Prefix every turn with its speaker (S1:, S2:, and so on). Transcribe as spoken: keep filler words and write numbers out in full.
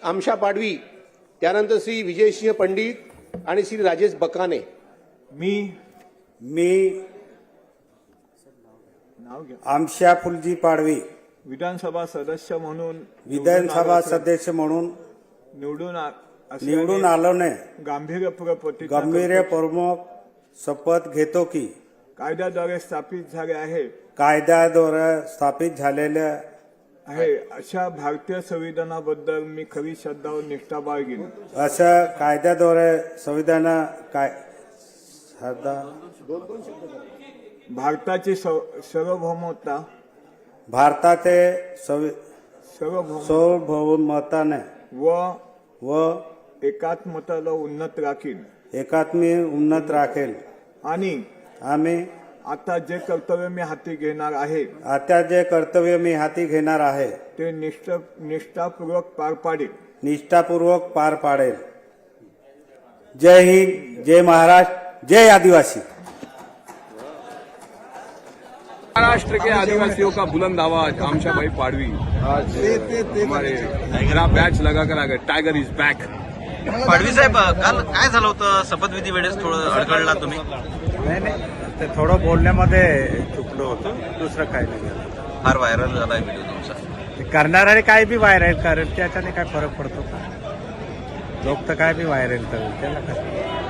S1: आमशा पाडवी, त्यानंतर श्री विजयसिंह पंडित आणि श्री राजेश बकाने।
S2: मी
S3: मी
S2: नाव घ्या
S3: आमशा फुलजी पाडवी
S2: विधानसभा सदस्य म्हणून
S3: विधानसभा सदस्य म्हणून
S2: निवडून आ-
S3: निवडून आलोने
S2: गांभीर्यपूर्वक प्रतिज्ञा
S3: गंभीर
S2: करतो.
S3: प्रमुख शपथ घेतो की
S2: कायद्याद्वारे स्थापित झाले आहे
S3: कायद्याद्वारे स्थापित झालेल्या
S2: आहे अशा भारतीय संविधानाबद्दल मी खरी श्रद्धा व निष्ठा बाळगीन।
S3: असं कायद्याद्वारे संविधान काय श्रद्धा
S2: भारताची सव- सार्वभौमता
S3: भारताचे संवि-
S2: सार्वभौम
S3: सार्वभौमताने
S2: व
S3: व
S2: एकात्मताला उन्नत राखीन
S3: एकात्मी उन्नत राखेल
S2: आणि
S3: आम्ही
S2: आता जे कर्तव्य मी हाती घेणार आहे
S3: आता जे कर्तव्य मी हाती घेणार आहे
S2: ते निष्ठ निष्ठापूर्वक पार पाडेल।
S3: निष्ठापूर्वक पार पाडेल। जय हिंद, जय महाराष्ट्र, जय आदिवासी।
S4: महाराष्ट्र के आदिवासियों का बुलंद आवाज आमशा भाई पाडवी आज हमारे गला बैच लगाकर आ गए। Tiger is back.
S5: पाडवी साहेब, काल काय झालं होतं शपथविधी वेळेस थोडं अडकळला तुम्ही?
S6: नाही नाही ते थोडं बोलण्यामध्ये चुकलो होतो, दुसरं काही नाही झालं।
S5: फार व्हायरल झालाय व्हिडिओ तुमचा।
S6: ते करणारे काय बी व्हायरल करेल त्याच्याने काय फरक पडतो का? लोक तर काय बी व्हायरल करेल त्याला काय